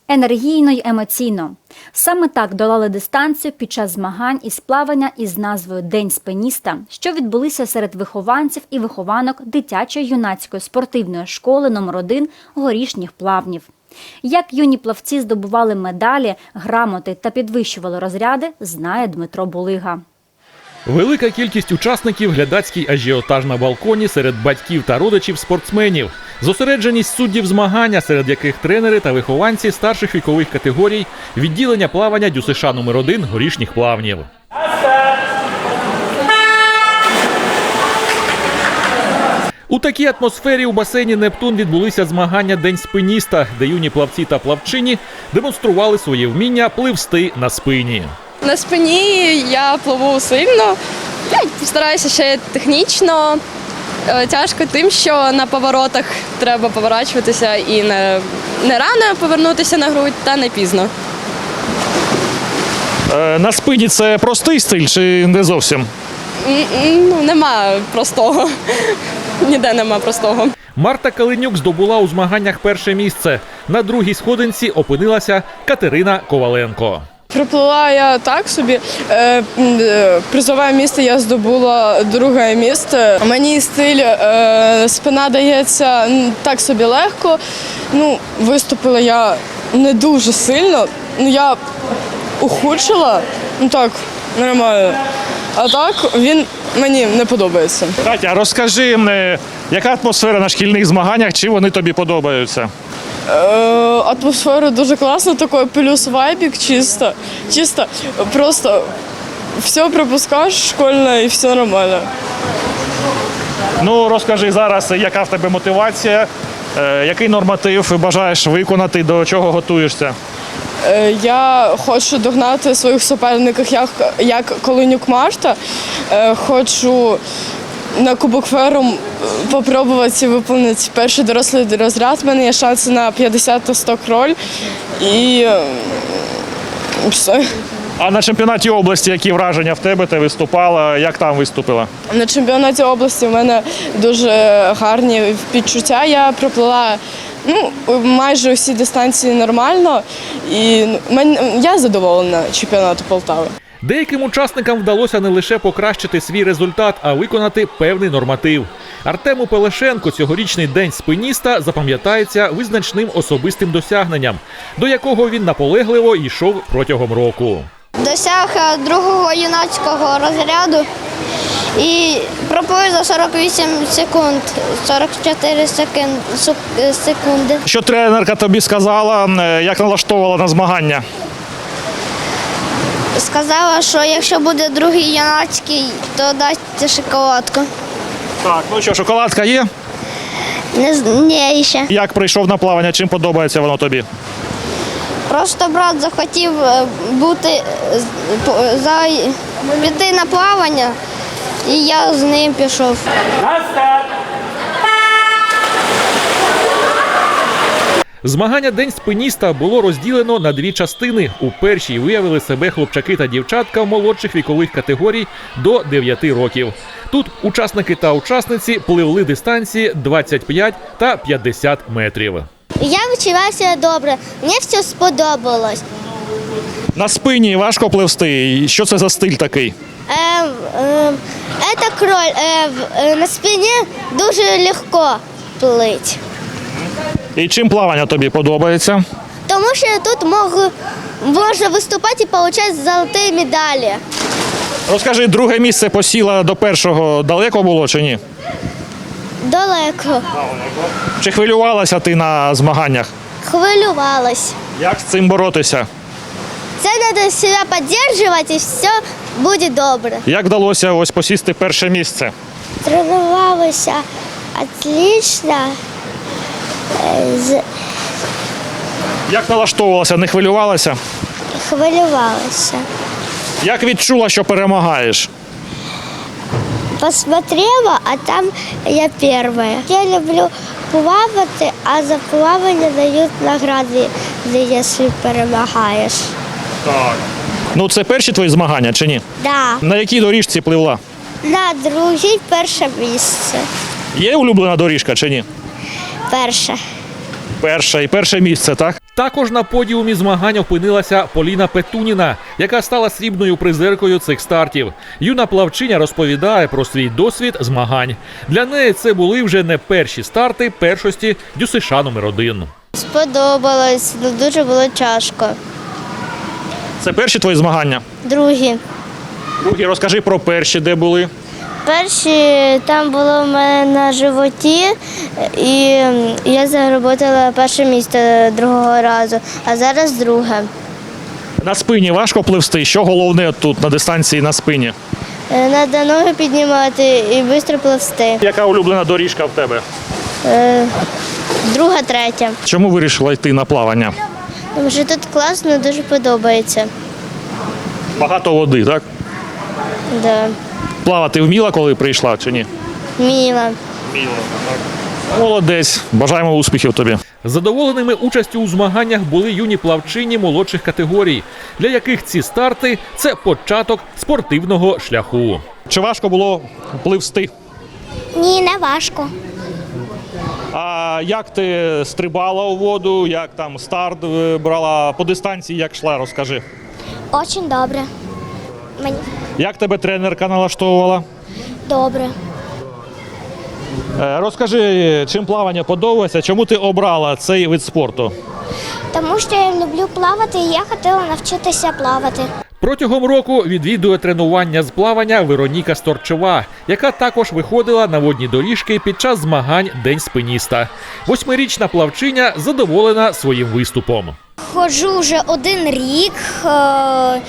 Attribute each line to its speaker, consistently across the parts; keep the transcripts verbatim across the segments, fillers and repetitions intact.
Speaker 1: енергійно й емоційно. Саме так долали дистанцію під час змагань із плавання із назвою «День спиніста», що відбулися серед вихованців і вихованок дитячої юнацької спортивної школи номер один горішніх плавнів. Як юні плавці здобували медалі, грамоти та підвищували розряди, знає Дмитро Булига.
Speaker 2: Велика кількість учасників, глядацький ажіотаж на балконі серед батьків та родичів спортсменів. Зосередженість суддів змагання, серед яких тренери та вихованці старших вікових категорій відділення плавання ДЮСШ номер один горішніх плавнів. У такій атмосфері у басейні «Нептун» відбулися змагання «День спиніста», де юні плавці та плавчині демонстрували своє вміння пливсти на спині.
Speaker 3: На спині я пливу сильно, я стараюся ще технічно. Тяжко тим, що на поворотах треба поворачуватися і не, не рано повернутися на грудь, та не пізно.
Speaker 4: На спині це простий стиль чи не зовсім?
Speaker 3: Ну, нема простого. Ніде нема простого.
Speaker 2: Марта Калинюк здобула у змаганнях перше місце. На другій сходинці опинилася Катерина Коваленко.
Speaker 5: Приплила я так собі. Призове місце я здобула друге місце. Мені стиль спина дається так собі легко. Ну, виступила я не дуже сильно. Ну, я ухудшила, ну так, нормально. А так він мені не подобається.
Speaker 4: Катя, розкажи, яка атмосфера на шкільних змаганнях, чи вони тобі подобаються?
Speaker 5: Атмосфера дуже класна, такой плюс вайбик чисто, чисто, просто все пропускаешь школьне і все нормально.
Speaker 4: Ну, розкажи зараз, яка в тебе мотивація, який норматив бажаєш виконати, до чого готуєшся?
Speaker 5: Я хочу догнати своїх суперників, як, як Калинюк Марта, хочу на Кубок Ферум спробувати виконати перший дорослий розряд. У мене є шанси на п'ятдесят та сто кроль. І все.
Speaker 4: А на чемпіонаті області які враження в тебе? Ти виступала? Як там виступила?
Speaker 5: На чемпіонаті області в мене дуже гарні відчуття. Я проплила ну, майже усі дистанції нормально. І я задоволена чемпіонату Полтави.
Speaker 2: Деяким учасникам вдалося не лише покращити свій результат, а виконати певний норматив. Артему Пелешенко цьогорічний день спиніста запам'ятається визначним особистим досягненням, до якого він наполегливо йшов протягом року.
Speaker 6: Досяг другого юнацького розряду і проплив за сорок вісім секунд, сорок чотири секунди.
Speaker 4: Що тренерка тобі сказала, як налаштовувала на змагання?
Speaker 6: Сказала, що якщо буде другий юнацький, то дасть шоколадку.
Speaker 4: Так, ну що, шоколадка є?
Speaker 6: Не, ні, ще.
Speaker 4: Як прийшов на плавання, чим подобається воно тобі?
Speaker 6: Просто брат захотів бути, за, піти на плавання, і я з ним пішов.
Speaker 2: Змагання «День спиніста» було розділено на дві частини. У першій виявили себе хлопчаки та дівчатка молодших вікових категорій до дев'яти років. Тут учасники та учасниці пливли дистанції двадцять п'ять та п'ятдесят метрів.
Speaker 6: Я відчувався добре, мені все сподобалось.
Speaker 4: На спині важко пливсти. Що це за стиль такий?
Speaker 6: Е, е, це кроль. Е, е, на спині дуже легко плити.
Speaker 4: І чим плавання тобі подобається?
Speaker 6: Тому що тут можу, можна виступати і отримати золоті медалі.
Speaker 4: Розкажи, друге місце посіла до першого далеко було чи ні?
Speaker 6: Далеко.
Speaker 4: Чи хвилювалася ти на змаганнях?
Speaker 6: Хвилювалась.
Speaker 4: Як з цим боротися?
Speaker 6: Це треба себе підтримувати і все буде добре.
Speaker 4: Як вдалося ось посісти перше місце?
Speaker 6: Тренувалася отлично. З...
Speaker 4: Як налаштовувалася, не хвилювалася?
Speaker 6: Хвилювалася.
Speaker 4: Як відчула, що перемагаєш?
Speaker 6: Посмотрела, а там я перша. Я люблю плавати, а за плавання дають награди, якщо перемагаєш.
Speaker 4: Так. Ну це перші твої змагання чи ні?
Speaker 6: Да.
Speaker 4: На якій доріжці пливла?
Speaker 6: На другій перше місце.
Speaker 4: Є улюблена доріжка чи ні?
Speaker 6: Перше.
Speaker 4: Перша і перше місце, так?
Speaker 2: Також на подіумі змагань опинилася Поліна Петуніна, яка стала срібною призеркою цих стартів. Юна плавчиня розповідає про свій досвід змагань. Для неї це були вже не перші старти першості ДЮСШ номер один.
Speaker 6: Сподобалось, але дуже було тяжко.
Speaker 4: Це перші твої змагання?
Speaker 6: Другі.
Speaker 4: Другі, розкажи про перші, де були.
Speaker 6: Перші там було в мене на животі, і я заработала перше місце другого разу, а зараз друге.
Speaker 4: На спині важко пливсти. Що головне тут на дистанції на спині?
Speaker 6: Треба ноги піднімати і швидко пливсти.
Speaker 4: Яка улюблена доріжка в тебе?
Speaker 6: Е, Друга, третя.
Speaker 4: Чому вирішила йти на плавання?
Speaker 6: Тому що тут класно, дуже подобається.
Speaker 4: Багато води, так?
Speaker 6: Да.
Speaker 4: Плавати вміла, коли прийшла, чи ні?
Speaker 6: Міла.
Speaker 4: Молодець. Бажаємо успіхів тобі.
Speaker 2: Задоволеними участю у змаганнях були юні плавчині молодших категорій, для яких ці старти – це початок спортивного шляху.
Speaker 4: Чи важко було пливсти?
Speaker 6: Ні, не важко.
Speaker 4: А як ти стрибала у воду, як там старт е, брала по дистанції, як йшла, розкажи.
Speaker 6: Дуже добре. Мені
Speaker 4: Як тебе тренерка налаштовувала?
Speaker 6: добре.
Speaker 4: Е, Розкажи, чим плавання подобається, чому ти обрала цей вид спорту?
Speaker 6: Тому що я люблю плавати і я хотіла навчитися плавати.
Speaker 2: Протягом року відвідує тренування з плавання Вероніка Сторчова, яка також виходила на водні доріжки під час змагань День спиніста. Восьмирічна плавчиня задоволена своїм виступом.
Speaker 6: Ходжу вже один рік. Е, е,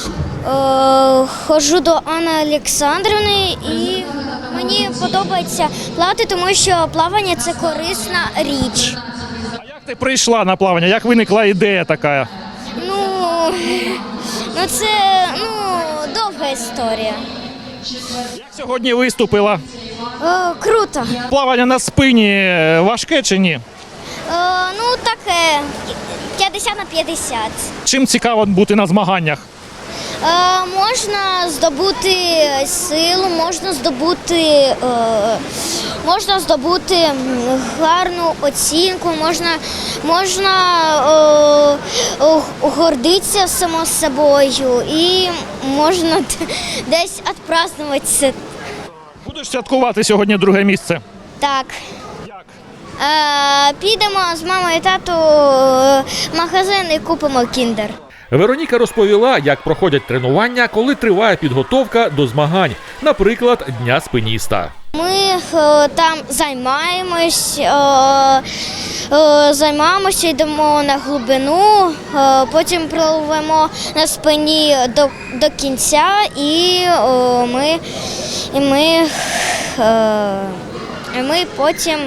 Speaker 6: ходжу до Анни Олександрівни і мені подобається плавати, тому що плавання – це корисна річ.
Speaker 4: А як ти прийшла на плавання? Як виникла ідея така?
Speaker 6: Ну, ну це ну, довга історія.
Speaker 4: Як сьогодні виступила?
Speaker 6: Е, круто.
Speaker 4: Плавання на спині важке чи ні?
Speaker 6: Е, ну, таке п'ятдесят на п'ятдесят.
Speaker 4: Чим цікаво бути на змаганнях?
Speaker 6: Е, можна здобути силу, можна здобути, е, можна здобути м, гарну оцінку, можна, можна е, е, гордитися само собою і можна д- десь відпразнуватися.
Speaker 4: Будеш святкувати сьогодні друге місце?
Speaker 6: Так.
Speaker 4: Як?
Speaker 6: Е, підемо з мамою і тату е, в магазин і купимо кіндер.
Speaker 2: Вероніка розповіла, як проходять тренування, коли триває підготовка до змагань, наприклад, Дня спиніста.
Speaker 6: Ми е, там займаємось, е, е, займаємося, йдемо на глибину, е, потім пливемо на спині до, до кінця і е, ми, і ми, е, і ми потім,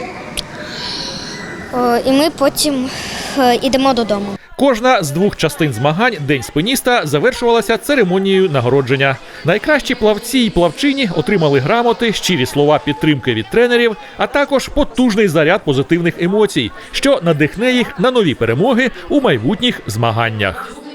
Speaker 6: е, і ми потім е, йдемо додому.
Speaker 2: Кожна з двох частин змагань День спиніста завершувалася церемонією нагородження. Найкращі плавці і плавчині отримали грамоти, щирі слова підтримки від тренерів, а також потужний заряд позитивних емоцій, що надихне їх на нові перемоги у майбутніх змаганнях.